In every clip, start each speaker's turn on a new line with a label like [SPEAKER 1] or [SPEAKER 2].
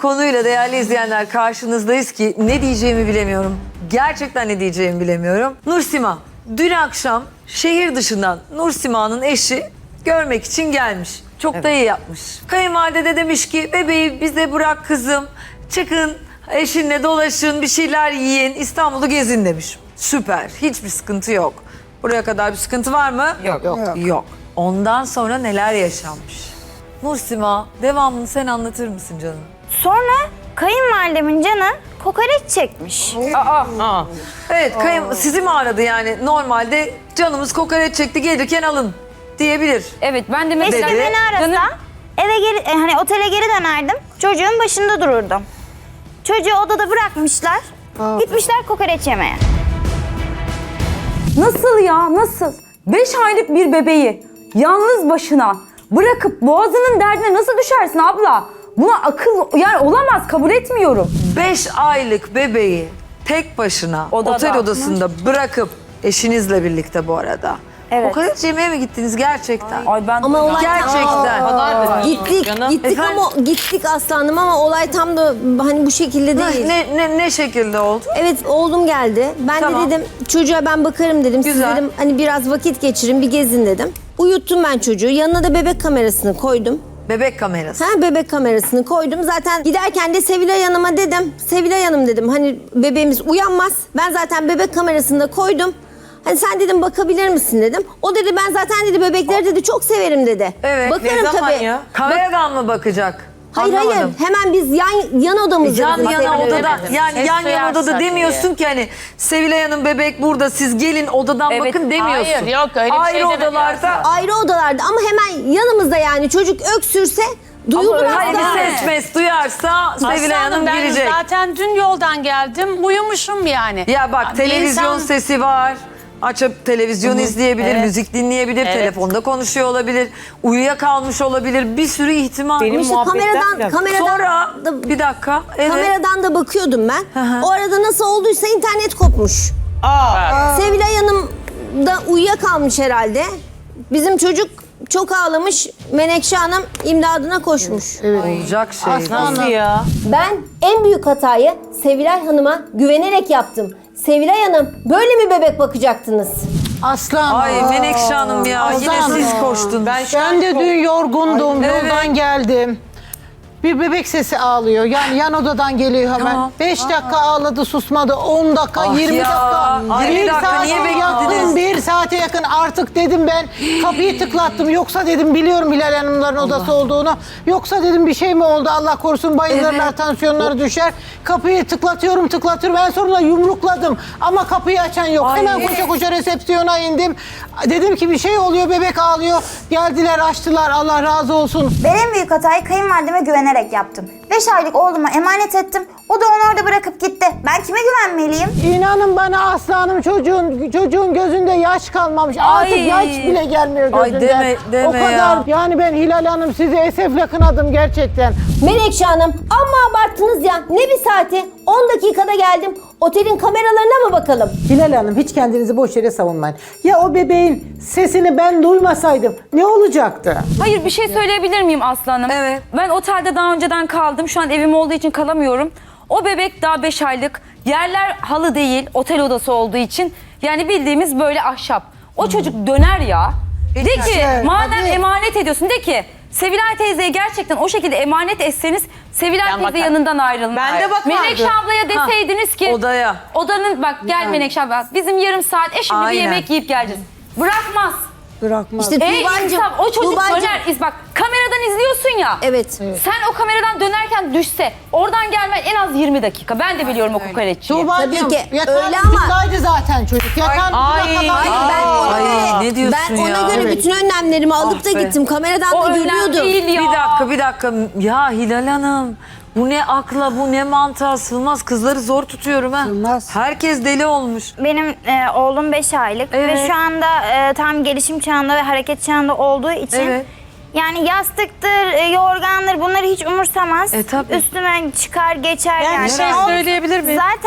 [SPEAKER 1] konuyla değerli izleyenler karşınızdayız ki ne diyeceğimi bilemiyorum. Gerçekten ne diyeceğimi bilemiyorum. Nursima, dün akşam şehir dışından Nursima'nın eşi görmek için gelmiş. Çok da iyi yapmış. Kayınvalide de demiş ki bebeği bize bırak kızım. Çıkın eşinle dolaşın, bir şeyler yiyin, İstanbul'u gezin demiş. Süper, hiçbir sıkıntı yok. Buraya kadar bir sıkıntı var mı? Yok. Ondan sonra neler yaşanmış? Nursima, devamını sen anlatır mısın canım?
[SPEAKER 2] Sonra kayınvalidemin canı kokoreç çekmiş.
[SPEAKER 1] Evet, sizi mi aradı yani? Normalde canımız kokoreç çekti, gelirken alın diyebilir.
[SPEAKER 3] Evet, ben de
[SPEAKER 2] Eşim
[SPEAKER 3] mesela...
[SPEAKER 2] beni arasa eve geri, hani otele geri dönerdim. Çocuğun başında dururdum. Çocuğu odada bırakmışlar. Gitmişler kokoreç yemeye.
[SPEAKER 4] Nasıl ya, nasıl? 5 aylık bir bebeği yalnız başına bırakıp boğazının derdine nasıl düşersin abla? Buna akıl yani olamaz, kabul etmiyorum.
[SPEAKER 1] 5 aylık bebeği tek başına otel odasında bırakıp eşinizle birlikte bu arada.
[SPEAKER 2] Evet.
[SPEAKER 1] Kokoreç yemeye mi gittiniz gerçekten?
[SPEAKER 4] Ay ben
[SPEAKER 5] Ama olay
[SPEAKER 1] Gerçekten.
[SPEAKER 5] gittik ama gittik aslanım ama olay tam da hani bu şekilde değil.
[SPEAKER 1] Ne şekilde oldu?
[SPEAKER 5] Evet oğlum geldi. Ben
[SPEAKER 1] Tamam.
[SPEAKER 5] de dedim çocuğa ben bakarım dedim.
[SPEAKER 1] Güzel.
[SPEAKER 5] Siz dedim hani biraz vakit geçirin bir gezin dedim. Uyuttum ben çocuğu. Yanına da bebek kamerasını koydum.
[SPEAKER 1] Bebek kamerası.
[SPEAKER 5] Bebek kamerasını koydum. Zaten giderken de Sevilay Hanım'a dedim. Sevilay Hanım dedim hani bebeğimiz uyanmaz. Ben zaten bebek kamerasını da koydum. Hani sen dedim bakabilir misin dedim. O dedi ben zaten dedi bebekleri dedi çok severim dedi.
[SPEAKER 1] Evet.
[SPEAKER 5] Bakarım tabii.
[SPEAKER 1] Kameradan mı bakacak?
[SPEAKER 5] Hayır
[SPEAKER 1] Anlamadım.
[SPEAKER 5] hemen biz yan odamızda.
[SPEAKER 1] Yan
[SPEAKER 5] dedim,
[SPEAKER 1] yana
[SPEAKER 5] Sevilay
[SPEAKER 1] odada,
[SPEAKER 5] Hanım.
[SPEAKER 1] yani yan yana odada demiyorsun ki hani Sevilay Hanım bebek burada siz gelin odadan
[SPEAKER 3] Evet,
[SPEAKER 1] bakın demiyorsun.
[SPEAKER 6] hayır, yok, öyle bir
[SPEAKER 1] Ayrı
[SPEAKER 6] şey demedim
[SPEAKER 1] odalarda.
[SPEAKER 5] Ayrı odalarda ama hemen yanımızda yani çocuk öksürse duyulur
[SPEAKER 1] Hani bir
[SPEAKER 5] aslında.
[SPEAKER 1] ses mes duyarsa Sevilay Hanım
[SPEAKER 6] ben
[SPEAKER 1] girecek.
[SPEAKER 6] zaten dün yoldan geldim. Uyumuşum yani.
[SPEAKER 1] Ya bak
[SPEAKER 6] Bir
[SPEAKER 1] televizyon
[SPEAKER 6] insan-
[SPEAKER 1] sesi var. Açıp televizyon izleyebilir, müzik dinleyebilir, telefonda konuşuyor olabilir, uyuyakalmış olabilir. Bir sürü ihtimal.
[SPEAKER 5] İşte kameradan
[SPEAKER 1] Sonra
[SPEAKER 5] da,
[SPEAKER 1] bir dakika. Evet.
[SPEAKER 5] kameradan da bakıyordum ben.
[SPEAKER 1] hı.
[SPEAKER 5] O arada nasıl olduysa internet kopmuş. Sevilay Hanım da uyuyakalmış herhalde. Bizim çocuk çok ağlamış. Menekşe Hanım imdadına koşmuş.
[SPEAKER 1] Olacak şey.
[SPEAKER 6] Nasıl ya?
[SPEAKER 5] Ben en büyük hatayı Sevilay Hanım'a güvenerek yaptım. Sevilay Hanım böyle mi bebek bakacaktınız?
[SPEAKER 7] Aslan.
[SPEAKER 1] Ay Menekşe Hanım ya yine
[SPEAKER 7] Ozan.
[SPEAKER 1] siz koştunuz.
[SPEAKER 7] Ben de dün yorgundum.
[SPEAKER 1] Evet.
[SPEAKER 7] Yoldan geldim. Bir bebek sesi ağlıyor. Yani yan odadan geliyor hemen.
[SPEAKER 1] Tamam.
[SPEAKER 7] 5 dakika ağladı susmadı. 10 dakika,
[SPEAKER 1] Ah
[SPEAKER 7] 20
[SPEAKER 1] ya.
[SPEAKER 7] dakika.
[SPEAKER 1] Ay, bir dakika,
[SPEAKER 7] saate
[SPEAKER 1] niye
[SPEAKER 7] yakın,
[SPEAKER 1] beklediniz?
[SPEAKER 7] 1 saate yakın artık dedim ben. Kapıyı tıklattım. Yoksa dedim biliyorum Hilal Hanımların odası olduğunu. Yoksa dedim bir şey mi oldu Allah korusun bayılırlar,
[SPEAKER 1] Evet.
[SPEAKER 7] tansiyonları düşer. Kapıyı tıklatıyorum. Ben sonra yumrukladım. Ama kapıyı açan yok.
[SPEAKER 1] Ay.
[SPEAKER 7] Hemen koşa koşa resepsiyona indim. Dedim ki bir şey oluyor, bebek ağlıyor. Geldiler, açtılar. Allah razı olsun.
[SPEAKER 2] Ben en büyük hatayı kayınvalideme güvenerek yaptım. 5 aylık oğluma emanet ettim. O da onu orada bırakıp gitti. Ben kime güvenmeliyim?
[SPEAKER 7] İnanın bana aslanım çocuğun gözünde yaş kalmamış. Artık
[SPEAKER 1] Ay.
[SPEAKER 7] yaş bile gelmiyor
[SPEAKER 1] Ay,
[SPEAKER 7] gözünden.
[SPEAKER 1] deme
[SPEAKER 7] o kadar
[SPEAKER 1] ya.
[SPEAKER 7] yani ben Hilal Hanım sizi esefle kınadım gerçekten.
[SPEAKER 5] Menekşe Hanım amma abarttınız ya. Ne bir saati? 10 dakikada geldim. Otelin kameralarına mı bakalım?
[SPEAKER 7] Hilal Hanım hiç kendinizi boş yere savunmayın. Ya o bebeğin sesini ben duymasaydım ne olacaktı?
[SPEAKER 3] Hayır, bir şey söyleyebilir miyim Aslı Hanım?
[SPEAKER 1] Evet.
[SPEAKER 3] Ben otelde daha önceden kaldım. Şu an evim olduğu için kalamıyorum. O bebek daha 5 aylık. Yerler halı değil, otel odası olduğu için. Yani bildiğimiz böyle ahşap. O çocuk döner ya. De ki
[SPEAKER 7] Evet,
[SPEAKER 3] madem
[SPEAKER 7] hadi.
[SPEAKER 3] emanet ediyorsun de ki Sevilay teyzeye gerçekten o şekilde emanet etseniz Sevilay teyze
[SPEAKER 6] bakarım.
[SPEAKER 3] yanından ayrılmaz.
[SPEAKER 6] Ben de bakardım.
[SPEAKER 3] Menekşe ablaya deseydiniz ki
[SPEAKER 1] Odaya.
[SPEAKER 3] odanın bak gel Menekşe abla bizim yarım saat şimdi bir
[SPEAKER 1] Aynen.
[SPEAKER 3] yemek yiyip geleceğiz. Bırakmaz.
[SPEAKER 7] Bırakmaz.
[SPEAKER 5] İşte
[SPEAKER 3] İnsaf,
[SPEAKER 5] Tuğba'cığım.
[SPEAKER 3] o çocuk
[SPEAKER 5] Tuğba'cığım.
[SPEAKER 3] döner. Bak kameradan izliyorsun ya.
[SPEAKER 5] Evet.
[SPEAKER 3] Sen o kameradan dönerken düşse oradan gelmen en az 20 dakika. Ben de biliyorum o kokoreççiyi.
[SPEAKER 7] Tuğba'cığım,
[SPEAKER 5] Tabii ki,
[SPEAKER 7] yatağın
[SPEAKER 5] öyle ama-
[SPEAKER 7] ucundaydı zaten çocuk. Yatağın ucuna kadar-
[SPEAKER 1] Ay, ne diyorsun
[SPEAKER 5] Ben ona
[SPEAKER 1] ya?
[SPEAKER 5] göre
[SPEAKER 1] Evet.
[SPEAKER 5] bütün önlemlerimi alıp
[SPEAKER 1] Ah
[SPEAKER 5] da
[SPEAKER 1] be.
[SPEAKER 5] gittim. Kameradan
[SPEAKER 3] O
[SPEAKER 5] da
[SPEAKER 3] önemli
[SPEAKER 5] görüyordum.
[SPEAKER 3] değil ya.
[SPEAKER 1] Bir dakika. Ya Hilal Hanım. Bu ne akla, bu ne mantığa sığmaz. Kızları zor tutuyorum ha.
[SPEAKER 7] Sığmaz.
[SPEAKER 1] Herkes deli olmuş.
[SPEAKER 2] Benim oğlum 5 aylık
[SPEAKER 1] Evet.
[SPEAKER 2] ve şu anda tam gelişim çağında ve hareket çağında olduğu için
[SPEAKER 1] Evet.
[SPEAKER 2] yani yastıktır, yorgandır bunları hiç umursamaz.
[SPEAKER 1] Tabii.
[SPEAKER 2] Üstüme çıkar geçer
[SPEAKER 6] Ben
[SPEAKER 2] yani.
[SPEAKER 6] bir şey
[SPEAKER 2] Oğlum
[SPEAKER 6] söyleyebilir miyim?
[SPEAKER 2] Zaten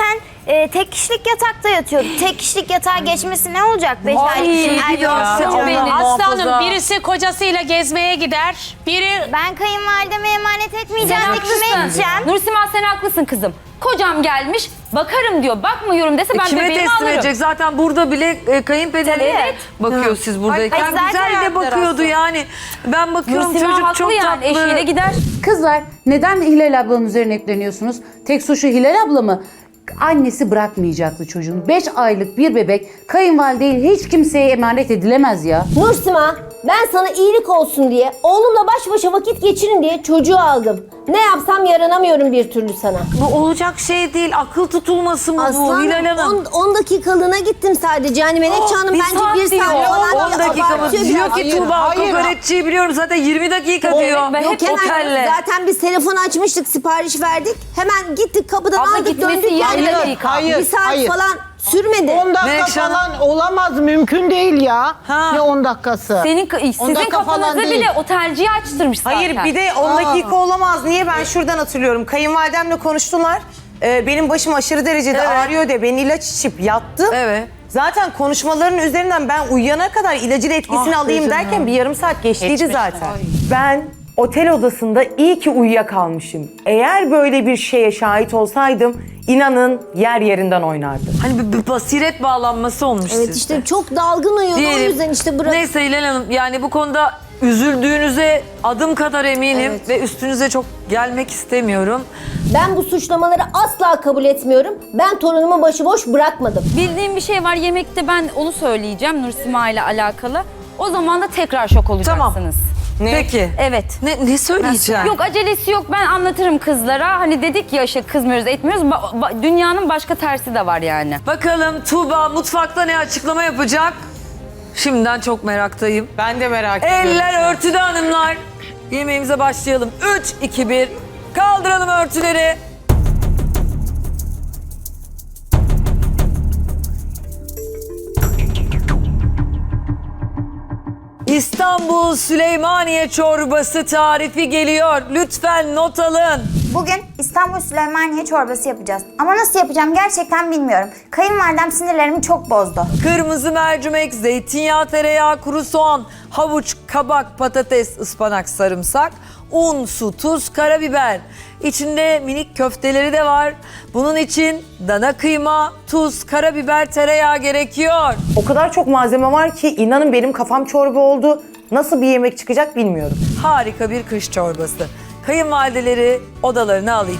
[SPEAKER 2] tek kişilik yatakta yatıyordu. Tek kişilik yatağa geçmesi ne olacak 5
[SPEAKER 1] Ay,
[SPEAKER 2] aylık için?
[SPEAKER 1] bir
[SPEAKER 2] Erkek
[SPEAKER 1] dakika.
[SPEAKER 2] çocuğu.
[SPEAKER 1] Benim.
[SPEAKER 6] Aslanım
[SPEAKER 1] muhafaza.
[SPEAKER 6] birisi kocasıyla gezmeye gider. Biri
[SPEAKER 2] Ben kayınvalideme emanet etmeyeceğim,
[SPEAKER 3] Sen
[SPEAKER 2] kime
[SPEAKER 3] haklısın.
[SPEAKER 2] edeceğim?
[SPEAKER 3] Nursima sen haklısın kızım. Kocam gelmiş bakarım diyor. Bakmıyorum dese ben
[SPEAKER 1] Kime
[SPEAKER 3] bebeğimi
[SPEAKER 1] teslim
[SPEAKER 3] alırım.
[SPEAKER 1] edecek? Zaten burada bile kayınpederi
[SPEAKER 3] Tabii, evet.
[SPEAKER 1] bakıyor siz buradayken.
[SPEAKER 2] Ay, zaten
[SPEAKER 1] Güzel de
[SPEAKER 2] yaptılar
[SPEAKER 1] bakıyordu
[SPEAKER 2] aslında.
[SPEAKER 1] yani. Ben bakıyorum
[SPEAKER 3] Nursima
[SPEAKER 1] çocuk
[SPEAKER 3] haklı
[SPEAKER 1] çok
[SPEAKER 3] yani
[SPEAKER 1] tatlı.
[SPEAKER 3] eşiyle gider.
[SPEAKER 8] Kızlar neden Hilal ablanın üzerine yükleniyorsunuz? Tek suçu Hilal abla mı? Annesi bırakmayacaktı çocuğunu. 5 aylık bir bebek kayınvalide değil hiç kimseye emanet edilemez ya.
[SPEAKER 5] Nursima, ben sana iyilik olsun diye, oğlumla baş başa vakit geçirin diye çocuğu aldım. Ne yapsam yaranamıyorum bir türlü sana.
[SPEAKER 1] Bu olacak şey değil. Akıl tutulması mı bu Hilal Hanım?
[SPEAKER 5] 10 dakikalığına gittim sadece. Yani Menekşe Hanım
[SPEAKER 3] bir
[SPEAKER 5] bence
[SPEAKER 3] saat
[SPEAKER 5] 1
[SPEAKER 3] diyor.
[SPEAKER 5] saat falan
[SPEAKER 1] 10 dakika mı?
[SPEAKER 5] abartıyor
[SPEAKER 1] Diyor
[SPEAKER 5] biraz.
[SPEAKER 1] ki Tuğba
[SPEAKER 7] hayır.
[SPEAKER 1] kokoreççiyi biliyorum zaten 20 dakika diyor.
[SPEAKER 3] ben hep
[SPEAKER 5] Yok hemen
[SPEAKER 1] otelle.
[SPEAKER 5] zaten biz telefon açmıştık, sipariş verdik. Hemen gittik kapıdan
[SPEAKER 3] Abla
[SPEAKER 5] aldık
[SPEAKER 3] gitmesi
[SPEAKER 5] döndük.
[SPEAKER 3] 20
[SPEAKER 5] Yani
[SPEAKER 3] dakika.
[SPEAKER 7] Hayır,
[SPEAKER 5] bir saat
[SPEAKER 7] hayır.
[SPEAKER 5] falan sürmedi.
[SPEAKER 7] 10 dakika
[SPEAKER 1] Menekşe Hanım.
[SPEAKER 7] falan olamaz, mümkün değil ya.
[SPEAKER 1] Ha.
[SPEAKER 7] Ne 10 dakikası?
[SPEAKER 3] Sizin
[SPEAKER 7] dakika falan
[SPEAKER 3] kafanızda
[SPEAKER 7] değil.
[SPEAKER 3] bile otelciyi açtırmış zaten.
[SPEAKER 9] Hayır bir de 10 dakika olamaz. Niye? Ben şuradan hatırlıyorum. Kayınvalidemle konuştular. Benim başım aşırı derecede
[SPEAKER 1] Evet.
[SPEAKER 9] ağrıyor diye ben ilaç içip yattım.
[SPEAKER 1] Evet.
[SPEAKER 9] Zaten konuşmaların üzerinden ben uyuyana kadar ilacın etkisini
[SPEAKER 1] Ah,
[SPEAKER 9] alayım
[SPEAKER 1] canım.
[SPEAKER 9] derken bir yarım saat geçtiydi
[SPEAKER 6] Geçmiş.
[SPEAKER 9] zaten. Ben otel odasında iyi ki uyuyakalmışım. Eğer böyle bir şeye şahit olsaydım inanın yer yerinden oynardı.
[SPEAKER 1] Hani bir basiret bağlanması olmuş
[SPEAKER 5] Evet
[SPEAKER 1] sizde.
[SPEAKER 5] işte çok dalgın uyuyordu, o
[SPEAKER 1] Diyelim.
[SPEAKER 5] yüzden işte bırak.
[SPEAKER 1] Neyse Hilal Hanım yani bu konuda üzüldüğünüze adım kadar eminim
[SPEAKER 5] Evet.
[SPEAKER 1] ve üstünüze çok gelmek istemiyorum.
[SPEAKER 5] Ben bu suçlamaları asla kabul etmiyorum. Ben torunumu başıboş bırakmadım.
[SPEAKER 3] Bildiğim bir şey var yemekte ben onu söyleyeceğim Nursima ile alakalı. O zaman da tekrar şok olacaksınız.
[SPEAKER 1] Peki.
[SPEAKER 3] Evet.
[SPEAKER 1] Ne söyleyeceğim?
[SPEAKER 3] Yok acelesi yok ben anlatırım kızlara. Hani dedik ya işte kızmıyoruz etmiyoruz. Dünyanın başka tersi de var yani.
[SPEAKER 1] Bakalım Tuğba mutfakta ne açıklama yapacak? Şimdiden çok meraktayım.
[SPEAKER 9] Ben de merak ediyorum.
[SPEAKER 1] Eller örtüde hanımlar. Yemeğimize başlayalım. 3, 2, 1. Kaldıralım örtüleri. İstanbul Süleymaniye çorbası tarifi geliyor. Lütfen not alın.
[SPEAKER 2] Bugün İstanbul Süleymaniye çorbası yapacağız. Ama nasıl yapacağım gerçekten bilmiyorum. Kayınvalidem sinirlerimi çok bozdu.
[SPEAKER 1] Kırmızı mercimek, zeytinyağı, tereyağı, kuru soğan, havuç, kabak, patates, ıspanak, sarımsak, un, su, tuz, karabiber. İçinde minik köfteleri de var. Bunun için dana kıyma, tuz, karabiber, tereyağı gerekiyor.
[SPEAKER 9] O kadar çok malzeme var ki inanın benim kafam çorba oldu. Nasıl bir yemek çıkacak bilmiyorum.
[SPEAKER 1] Harika bir kış çorbası. Kayınvalideleri odalarına alayım.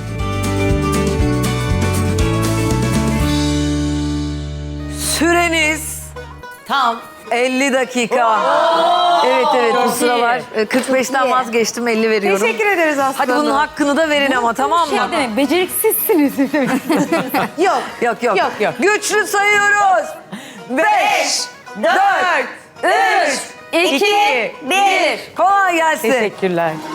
[SPEAKER 1] Süreniz
[SPEAKER 9] Tam.
[SPEAKER 1] 50 dakika. Evet bu sıralar 45'ten vazgeçtim 50 veriyorum.
[SPEAKER 9] Teşekkür ederiz Aslı
[SPEAKER 1] Hadi bunun
[SPEAKER 9] Hanım.
[SPEAKER 1] hakkını da verin ama tamam mı?
[SPEAKER 3] Şey demek beceriksizsiniz.
[SPEAKER 9] Yok.
[SPEAKER 1] Yok.
[SPEAKER 9] Yok.
[SPEAKER 1] Güçlü sayıyoruz. 5, 4, 3,
[SPEAKER 3] 2, 1.
[SPEAKER 1] kolay gelsin.
[SPEAKER 9] Teşekkürler.